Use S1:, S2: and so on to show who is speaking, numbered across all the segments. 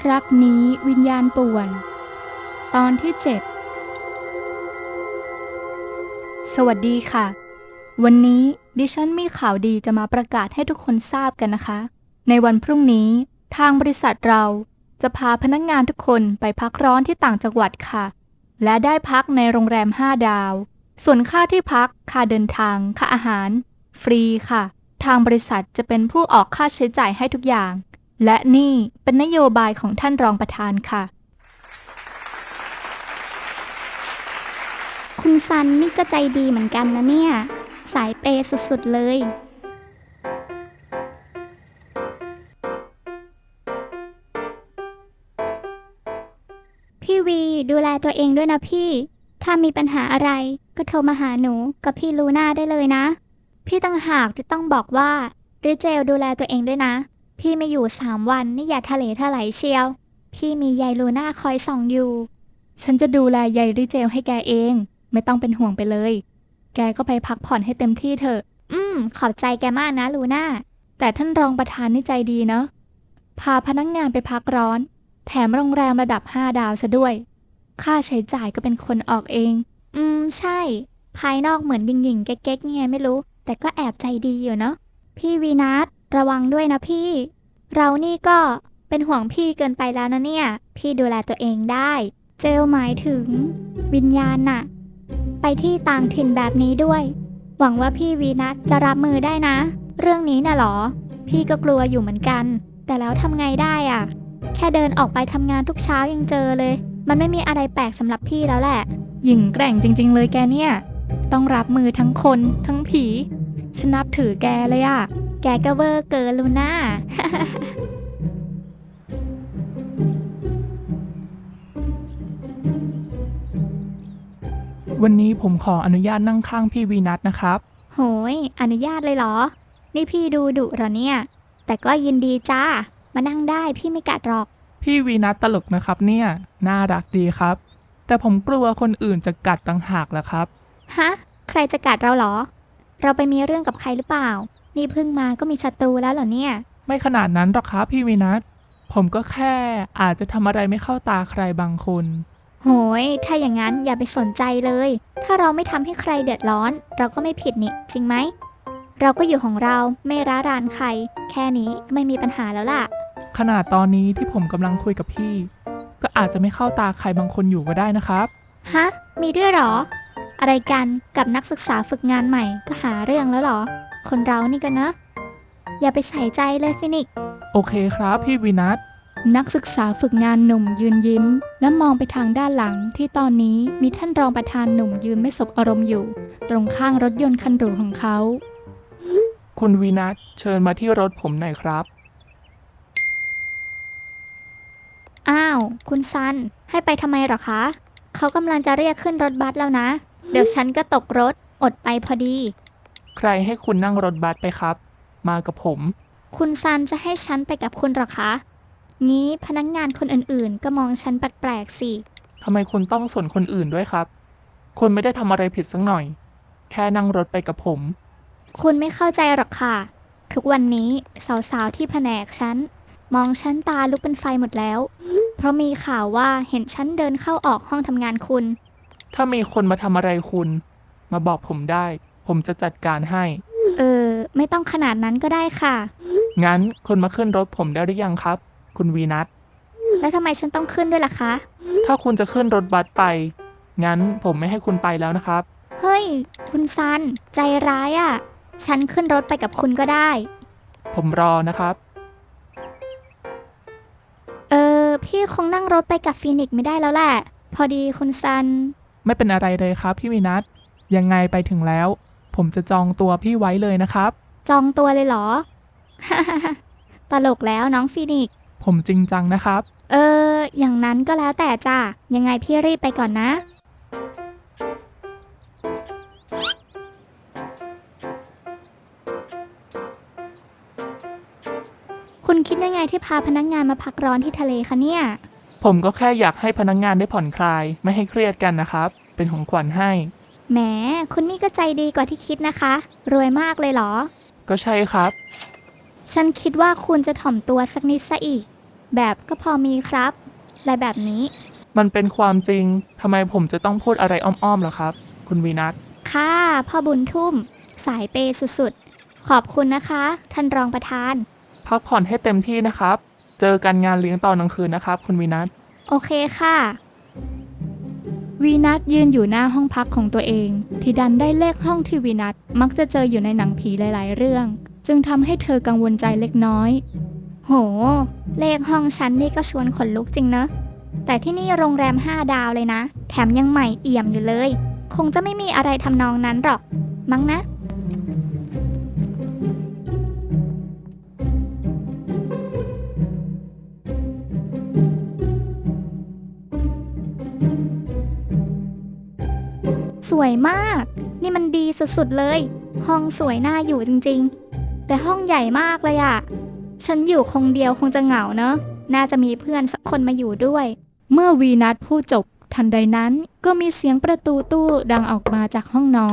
S1: รักนี้วิญญาณป่วนตอนที่ 7สวัสดีค่ะวันนี้ดิฉันมีข่าวดีจะมาประกาศให้ทุกคนทราบกันนะคะในวันพรุ่งนี้ทางบริษัทเราจะพาพนักงานทุกคนไปพักร้อนที่ต่างจังหวัดค่ะและได้พักในโรงแรม5 ดาวส่วนค่าที่พักค่าเดินทางค่าอาหารฟรีค่ะทางบริษัทจะเป็นผู้ออกค่าใช้จ่ายให้ทุกอย่างและนี่เป็นนโยบายของท่านรองประธานค่ะ
S2: คุณซันนี่ก็ใจดีเหมือนกันนะเนี่ยสายเปย์สุดๆเลยพี่วีดูแลตัวเองด้วยนะพี่ถ้ามีปัญหาอะไรก็โทรมาหาหนูกับพี่ลูน่าได้เลยนะพี่ต่างหากที่ต้องบอกว่าริเจลดูแลตัวเองด้วยนะพี่ไม่อยู่3 วันนี่อย่าทะเลทลายเชียวพี่มียายลูน่าคอยส่องอยู่
S1: ฉันจะดูแลยายริเจลให้แกเองไม่ต้องเป็นห่วงไปเลยแกก็ไปพักผ่อนให้เต็มที่เถอะ
S2: ขอบใจแกมากนะลูน่า
S1: แต่ท่านรองประธานนี่ใจดีเนาะพาพนักงานไปพักร้อนแถมโรงแรมระดับ5 ดาวซะด้วยค่าใช้จ่ายก็เป็นคนออกเอง
S2: ใช่ภายนอกเหมือนหยิ่งๆเก๊กๆไงไม่รู้แต่ก็แอบใจดีอยู่เนาะพี่วีนัทระวังด้วยนะพี่เรานี่ก็เป็นห่วงพี่เกินไปแล้วนะเนี่ยพี่ดูแลตัวเองได้เจลหมายถึงวิญญาณน่ะไปที่ต่างถิ่นแบบนี้ด้วยหวังว่าพี่วีนัทจะรับมือได้นะเรื่องนี้น่ะหรอพี่ก็กลัวอยู่เหมือนกันแต่แล้วทำไงได้อ่ะแค่เดินออกไปทำงานทุกเช้ายังเจอเลยมันไม่มีอะไรแปลกสำหรับพี่แล้วแหละ
S1: หญิงแกร่งจริงๆเลยแกเนี่ยต้องรับมือทั้งคนทั้งผีฉันนับถือแกเลยอะ
S2: แกก็เวอร์เกินลูน่า
S3: วันนี้ผมขออนุญาตนั่งข้างพี่วีนัทนะครับ
S2: โหยอนุญาตเลยเหรอนี่พี่ดูดุเหรอเนี่ยแต่ก็ยินดีจ้ามานั่งได้พี่ไม่กัดหรอก
S3: พี่วีนัทตลกนะครับเนี่ยน่ารักดีครับแต่ผมกลัวคนอื่นจะกัดต่างหากแหละครับ
S2: ฮะใครจะกัดเราเหรอเราไปมีเรื่องกับใครหรือเปล่านี่เพิ่งมาก็มีศัตรูแล้วเหรอเนี่ย
S3: ไม่ขนาดนั้นหรอกครับพี่วีนัทผมก็แค่อาจจะทำอะไรไม่เข้าตาใครบางคน
S2: โหยถ้าอย่างนั้นอย่าไปสนใจเลยถ้าเราไม่ทำให้ใครเดือดร้อนเราก็ไม่ผิดนี่จริงไหมเราก็อยู่ของเราไม่ร้ารานใครแค่นี้ก็ไม่มีปัญหาแล้วล่ะ
S3: ขนาดตอนนี้ที่ผมกำลังคุยกับพี่ก็อาจจะไม่เข้าตาใครบางคนอยู่ก็ได้นะครับ
S2: ฮะมีด้วยเหรออะไรกันกับนักศึกษาฝึกงานใหม่ก็หาเรื่องแล้วเหรอคนเรานี่กันนะอย่าไปใส่ใจเลยฟินิก
S3: โอเคครับพี่วีนัท
S1: นักศึกษาฝึกงานหนุ่มยืนยิ้มและมองไปทางด้านหลังที่ตอนนี้มีท่านรองประธานหนุ่มยืนไม่สบอารมณ์อยู่ตรงข้างรถยนต์คันหรูของเขา
S3: คุณวีนัทเชิญมาที่รถผมหน่อยครับ
S2: อ้าวคุณซันให้ไปทำไมหรอคะเขากำลังจะเรียกขึ้นรถบัสแล้วนะเดี๋ยวฉันก็ตกรถอดไปพอดี
S3: ใครให้คุณนั่งรถบัสไปครับมากับผม
S2: คุณซันจะให้ฉันไปกับคุณหรอคะงี้พนักงานคนอื่นๆก็มองฉันแปลกๆสิ
S3: ทำไมคุณต้องสนคนอื่นด้วยครับคุณไม่ได้ทำอะไรผิดสักหน่อยแค่นั่งรถไปกับผม
S2: คุณไม่เข้าใจหรอกค่ะทุกวันนี้สาวๆที่แผนกฉันมองฉันตาลุกเป็นไฟหมดแล้วเพราะมีข่าวว่าเห็นฉันเดินเข้าออกห้องทำงานคุณ
S3: ถ้ามีคนมาทำอะไรคุณมาบอกผมได้ผมจะจัดการให้
S2: ไม่ต้องขนาดนั้นก็ได้ค่ะ
S3: งั้นคุณมาขึ้นรถผมได้หรือยังครับคุณวีนัท
S2: แล้วทำไมฉันต้องขึ้นด้วยล่ะคะ
S3: ถ้าคุณจะขึ้นรถบัสไปงั้นผมไม่ให้คุณไปแล้วนะครับ
S2: เฮ้ยคุณซันใจร้ายอ่ะฉันขึ้นรถไปกับคุณก็ได้
S3: ผมรอนะครับ
S2: พี่คงนั่งรถไปกับฟีนิกซ์ไม่ได้แล้วแหละพอดีคุณซัน
S3: ไม่เป็นอะไรเลยครับพี่วีนัทยังไงไปถึงแล้วผมจะจองตัวพี่ไว้เลยนะครับ
S2: จองตัวเลยเหรอ ตลกแล้วน้องฟีนิกซ์
S3: ผมจริงจังนะครับ
S2: อย่างนั้นก็แล้วแต่จ้ะยังไงพี่รีบไปก่อนนะคุณคิดยังไงที่พาพนักงานมาพักร้อนที่ทะเลคะเนี่ย
S3: ผมก็แค่อยากให้พนักงานได้ผ่อนคลายไม่ให้เครียดกันนะครับเป็นของขวัญให้
S2: แหมคุณนี่ก็ใจดีกว่าที่คิดนะคะรวยมากเลยเหรอ
S3: ก็ใช่ครับ
S2: ฉันคิดว่าคุณจะถ่อมตัวสักนิดซะอีกแบบก็พอมีครับอะไรแบบนี้
S3: มันเป็นความจริงทำไมผมจะต้องพูดอะไรอ้อมๆล่ะครับ คุณวีนัท
S2: ค่ะพ่อบุญทุ่ม สายเปย์สุดๆ ขอบคุณนะคะ ท่านรองประธาน
S3: พักผ่อนให้เต็มที่นะครับ เจอกันงานเลี้ยงตอนกลางคืนนะครับ คุณวีนัท
S2: โอเคค่ะ
S1: วีนัทยืนอยู่หน้าห้องพักของตัวเอง ที่ดันได้เลขห้องที่วีนัทมักจะเจออยู่ในหนังผีหลายๆเรื่อง จึงทำให้เธอกังวลใจเล็กน้อย
S2: โห เลขห้องฉันนี่ก็ชวนขนลุกจริงเนอะ แต่ที่นี่โรงแรม5 ดาวเลยนะ แถมยังใหม่เอี่ยมอยู่เลย คงจะไม่มีอะไรทำนองนั้นหรอก มั้งนะ สวยมาก นี่มันดีสุดๆเลย ห้องสวยน่าอยู่จริงๆ แต่ห้องใหญ่มากเลยอะฉันอยู่คงเดียวคงจะเหงาเนอะ น่าจะมีเพื่อนสักคนมาอยู่ด้วย
S1: เมื่อวีนัทพูดจบ ทันใดนั้นก็มีเสียงประตูตู้ดังออกมาจากห้องนอน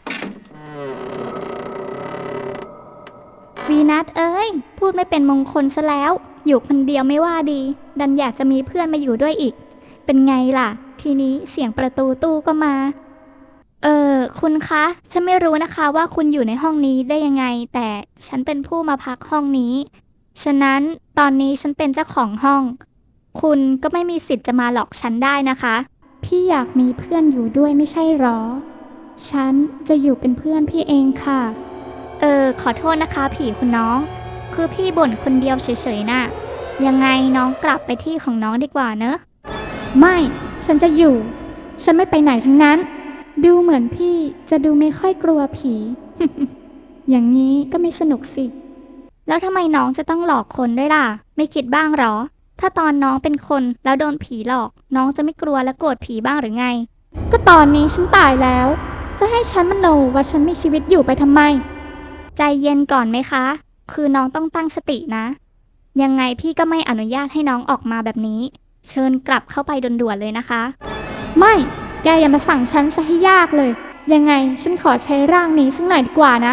S2: วีนัทเอ้ย พูดไม่เป็นมงคลซะแล้ว อยู่คนเดียวไม่ว่าดี ดันอยากจะมีเพื่อนมาอยู่ด้วยอีก เป็นไงล่ะ ทีนี้เสียงประตูตู้ก็มา คุณคะ ฉันไม่รู้นะคะว่าคุณอยู่ในห้องนี้ได้ยังไง แต่ฉันเป็นผู้มาพักห้องนี้ ฉะนั้นตอนนี้ฉันเป็นเจ้าของห้อง คุณก็ไม่มีสิทธิ์จะมาหลอกฉันได้นะคะ
S4: พี่อยากมีเพื่อนอยู่ด้วยไม่ใช่หรอ ฉันจะอยู่เป็นเพื่อนพี่เองค่ะ
S2: ขอโทษนะคะผีคุณน้อง คือพี่บ่นคนเดียวเฉยๆน่ะ ยังไงน้องกลับไปที่ของน้องดีกว่าเนอะ
S4: ไม่ ฉันจะอยู่ ฉันไม่ไปไหนทั้งนั้น ดูเหมือนพี่จะดูไม่ค่อยกลัวผี อย่างนี้ก็ไม่สนุกสิ
S2: แล้วทำไมน้องจะต้องหลอกคนด้วยล่ะ ไม่คิดบ้างหรอ ถ้าตอนน้องเป็นคนแล้วโดนผีหลอก น้องจะไม่กลัวและโกรธผีบ้างหรือไง
S4: ก็ตอนนี้ฉันตายแล้ว จะให้ฉันมโนว่าฉันมีชีวิตอยู่ไปทำไม
S2: ใจเย็นก่อนไหมคะ คือน้องต้องตั้งสตินะ ยังไงพี่ก็ไม่อนุญาตให้น้องออกมาแบบนี้ เชิญกลับเข้าไปด่วนๆเลยนะคะ
S4: ไม่ แกอย่ามาสั่งฉันซะให้ยากเลย ยังไงฉันขอใช้ร่างนี้สักหน่อยดีกว่านะ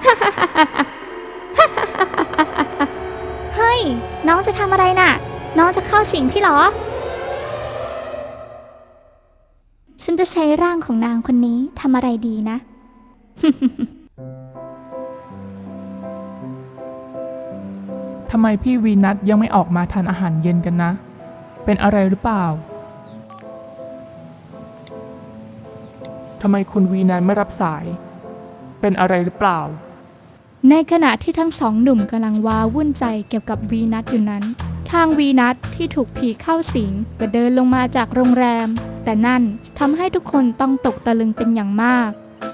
S2: เฮ้ย น้องจะทำอะไรน่ะ น้องจะเข้าสิงพี่เหรอ ฉันจะใช้ร่างของนางคนนี้ทำอะไรดีนะ
S3: ทำไมพี่วีนัทยังไม่ออกมาทานอาหารเย็นกันนะ เป็นอะไรหรือเปล่า ทำไมคุณวีนัทไม่รับสาย เป็นอะไรหรือเปล่า
S1: ในขณะที่ทั้งสองหนุ่มกำลังว้าวุ่นใจเกี่ยวกับวีนัทอยู่นั้น ทางวีนัทที่ถูกผีเข้าสิงก็เดินลงมาจากโรงแรม แต่นั่นทำให้ทุกคนต้องตกตะลึงเป็นอย่างมาก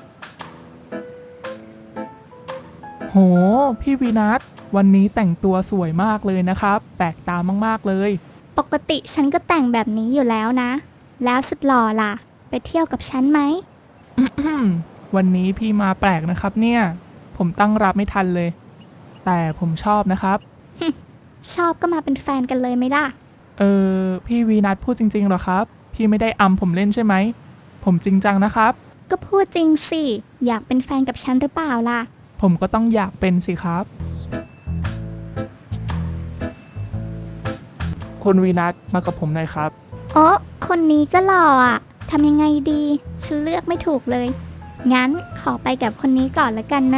S3: โห พี่วีนัทวันนี้แต่งตัวสวยมากเลยนะครับ แปลกตามากๆเลย
S2: ปกติฉันก็แต่งแบบนี้อยู่แล้วนะ แล้วสุดหล่อล่ะ ไปเที่ยวกับฉันไหม
S3: วันนี้พี่มาแปลกนะครับเนี่ย ผมตั้งรับไม่ทันเลย แต่ผมชอบนะครับ
S2: ชอบก็มาเป็นแฟนกันเลยไหมล่ะ
S3: พี่วีนัทพูดจริงๆเหรอครับ พี่ไม่ได้อำผมเล่นใช่ไหม ผมจริงจังนะครับ
S2: ก็พูดจริงสิ อยากเป็นแฟนกับฉันหรือเปล่าล่ะ
S3: ผมก็ต้องอยากเป็นสิครับ คุณวีนัทมากับผมหน่อยครับ
S2: อ๋อ คนนี้ก็หล่ออ่ะ ทำยังไงดี ฉันเลือกไม่ถูกเลย งั้นขอไปกับคนนี้ก่อนละกันนะ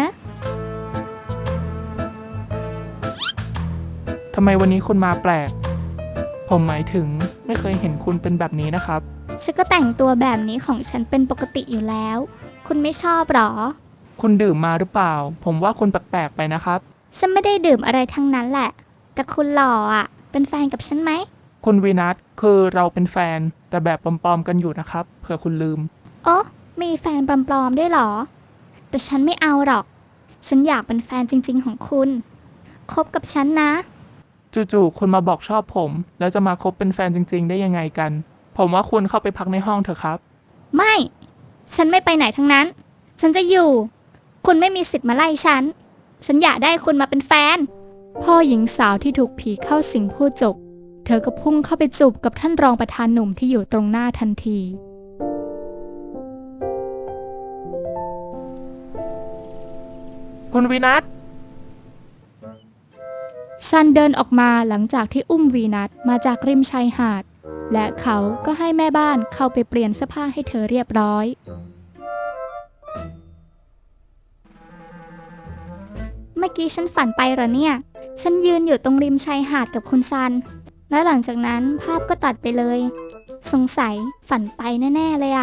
S3: ทำไมวันนี้คุณมาแปลก ผมหมายถึงไม่เคยเห็นคุณเป็นแบบนี้นะครับ
S2: ฉันก็แต่งตัวแบบนี้ของฉันเป็นปกติอยู่แล้ว คุณไม่ชอบหรอ
S3: คุณดื่มมาหรือเปล่า ผมว่าคุณแปลกๆไปนะครับ
S2: ฉันไม่ได้ดื่มอะไรทั้งนั้นแหละ แต่คุณหล่ออ่ะ เป็นแฟนกับฉันไหม
S3: คุณวีนัทคือเราเป็นแฟนแต่แบบปลอมๆกันอยู่นะครับ เผื่อคุณลืม
S2: อ๋อ มีแฟนปลอมๆด้วยเหรอ แต่ฉันไม่เอาหรอก ฉันอยากเป็นแฟนจริงๆของคุณ คบกับฉันนะ
S3: จู่ๆคุณมาบอกชอบผม แล้วจะมาคบเป็นแฟนจริงๆ ได้ยังไงกัน ผมว่าคุณเข้าไปพักในห้องเถอะครับ
S2: ไม่ ฉันไม่ไปไหนทั้งนั้น ฉันจะอยู่ คุณไม่มีสิทธิ์มาไล่ฉัน ฉันอยากได้คุณมาเป็นแฟน
S1: พ่อหญิงสาวที่ถูกผีเข้าสิงพูดจบ เธอก็พุ่งเข้าไปจูบกับท่านรองประธานหนุ่มที่อยู่ตรงหน้าทันที
S3: คุณวีนัท
S1: ซันเดินออกมาหลังจากที่อุ้มวีนัสมาจากริมชายหาด และเขาก็ให้แม่บ้านเข้าไปเปลี่ยนเสื้อผ้าให้เธอเรียบร้อย
S2: เมื่อกี้ฉันฝันไปเหรอเนี่ย ฉันยืนอยู่ตรงริมชายหาดกับคุณซัน และหลังจากนั้นภาพก็ตัดไปเลย สงสัยฝันไปแน่ๆเลยอะ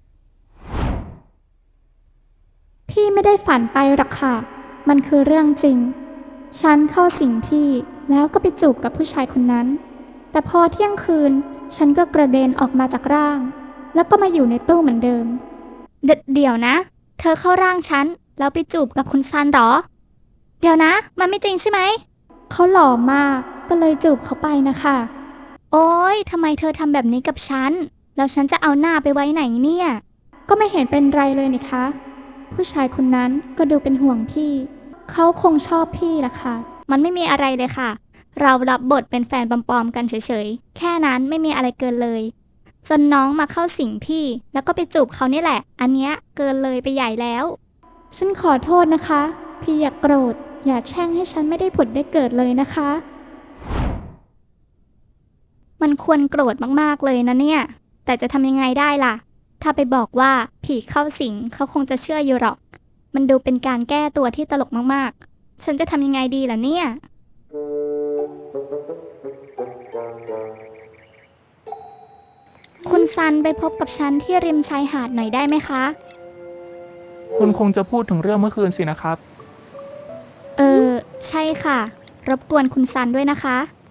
S4: พี่ไม่ได้ฝันไปหรอกค่ะ มันคือเรื่องจริง ฉันเข้าสิงพี่แล้วก็ไปจูบกับผู้ชายคนนั้น แต่พอเที่ยงคืน ฉันก็กระเด็นออกมาจากร่าง แล้วก็มาอยู่ในตู้เหมือนเดิม
S2: เดี๋ยวนะ เธอเข้าร่างฉันแล้วไปจูบกับคุณซันเหรอ เดี๋ยวนะ มันไม่จริงใช่ไหม
S4: เขาหล่อมากก็เลยจูบเขาไปนะคะ
S2: โอ๊ยทำไมเธอทำแบบนี้กับฉัน แล้วฉันจะเอาหน้าไปไว้ไหนเนี่ย
S4: ก็ไม่เห็นเป็นไรเลยนี่คะ ผู้ชายคนนั้นก็ดูเป็นห่วงพี่ เขาคงชอบพี่ล่ะค่ะ
S2: มันไม่มีอะไรเลยค่ะ เรารับบทเป็นแฟนปลอมๆกันเฉยๆ แค่นั้นไม่มีอะไรเกินเลยจนน้องมาเข้าสิงพี่ แล้วก็ไปจูบเขานี่แหละ อันเนี้ยเกินเลยไปใหญ่แล้ว
S4: ฉันขอโทษนะคะ พี่อย่ากโกรธ อย่าแช่งให้ฉันไม่ได้ผุดได้เกิดเลยนะคะ
S2: มันควรโกรธมากๆเลยนะเนี่ย แต่จะทำยังไงได้ล่ะ ถ้าไปบอกว่าผีเข้าสิงเขาคงจะเชื่ออยู่หรอก มันดูเป็นการแก้ตัวที่ตลกมากๆ ฉันจะทำยังไงดีล่ะเนี่ย คุณซันไปพบกับฉันที่ริมชายหาดหน่อยได้ไหมคะ
S3: คุณคงจะพูดถึงเรื่องเมื่อคืนสินะครับ
S2: ใช่ค่ะ รบกวนคุณซันด้วยนะคะ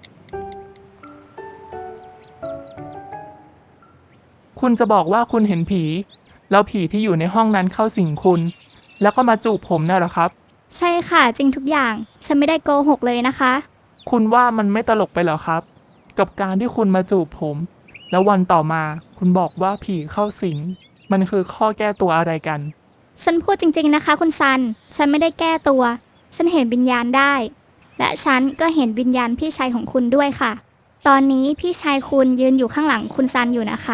S3: คุณจะบอกว่าคุณเห็นผี แล้วผีที่อยู่ในห้องนั้นเข้าสิงคุณ แล้วก็มาจูบผมน่ะเหรอครับ
S2: ใช่ค่ะ จริงทุกอย่าง ฉันไม่ได้โกหกเลยนะคะ
S3: คุณว่ามันไม่ตลกไปเหรอครับ กับการที่คุณมาจูบผม แล้ววันต่อมาคุณบอกว่าผีเข้าสิง มันคือข้อแก้ตัวอะไรกัน
S2: ฉันพูดจริงๆนะคะคุณซัน ฉันไม่ได้แก้ตัว ฉันเห็นวิญญาณได้ และฉันก็เห็นวิญญาณพี่ชายของคุณด้วยค่ะ ตอนนี้พี่ชายคุณยืนอยู่ข้างหลังคุณซันอยู่นะคะ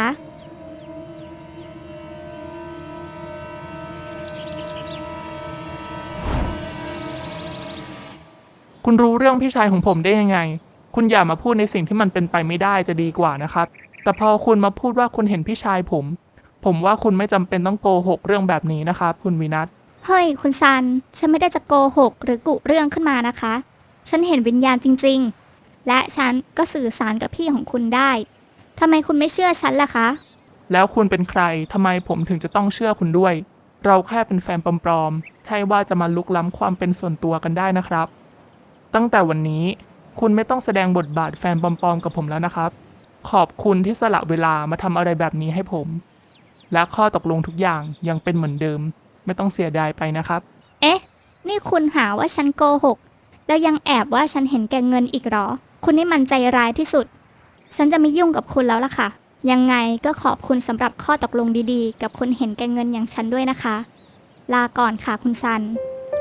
S3: คุณรู้เรื่องพี่ชายของผมได้ยังไง คุณอย่ามาพูดในสิ่งที่มันเป็นไปไม่ได้จะดีกว่านะครับ แต่พอคุณมาพูดว่าคุณเห็นพี่ชายผมว่าคุณไม่จำเป็นต้องโกหกเรื่องแบบนี้นะครับคุณวินัท
S2: เฮ้ยคุณซัน ฉันไม่ได้จะโกหกหรือกุเรื่องขึ้นมานะคะ ฉันเห็นวิญญาณจริงๆ และฉันก็สื่อสารกับพี่ของคุณได้ ทำไมคุณไม่เชื่อฉันล่ะคะ
S3: แล้วคุณเป็นใครทำไมผมถึงจะต้องเชื่อคุณด้วย เราแค่เป็นแฟนปลอมๆใช่ว่าจะมาลุกล้ำความเป็นส่วนตัวกันได้นะครับ ตั้งแต่วันนี้คุณไม่ต้องแสดงบทบาทแฟนปลอมๆกับผมแล้วนะครับ ขอบคุณที่สละเวลามาทำอะไรแบบนี้ให้ผม และข้อตกลงทุกอย่างยังเป็นเหมือนเดิม ไม่ต้องเสียดายไปนะครับ
S2: เอ๊ะ นี่คุณหาว่าฉันโกหก แล้วยังแอบว่าฉันเห็นแก่เงินอีกเหรอ คุณนี่มันใจร้ายที่สุด ฉันจะไม่ยุ่งกับคุณแล้วล่ะค่ะ ยังไงก็ขอบคุณสำหรับข้อตกลงดีๆ กับคนเห็นแก่เงินอย่างฉันด้วยนะคะ ลาก่อนค่ะคุณซัน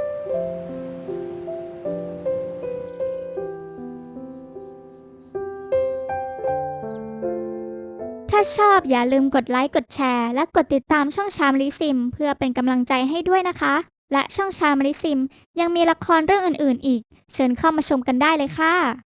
S2: ถ้าชอบอย่าลืมกดไลค์กดแชร์และกดติดตามช่องชามลิซิมเพื่อเป็นกำลังใจให้ด้วยนะคะ และช่องชามลิซิมยังมีละครเรื่องอื่นๆอีก เชิญเข้ามาชมกันได้เลยค่ะ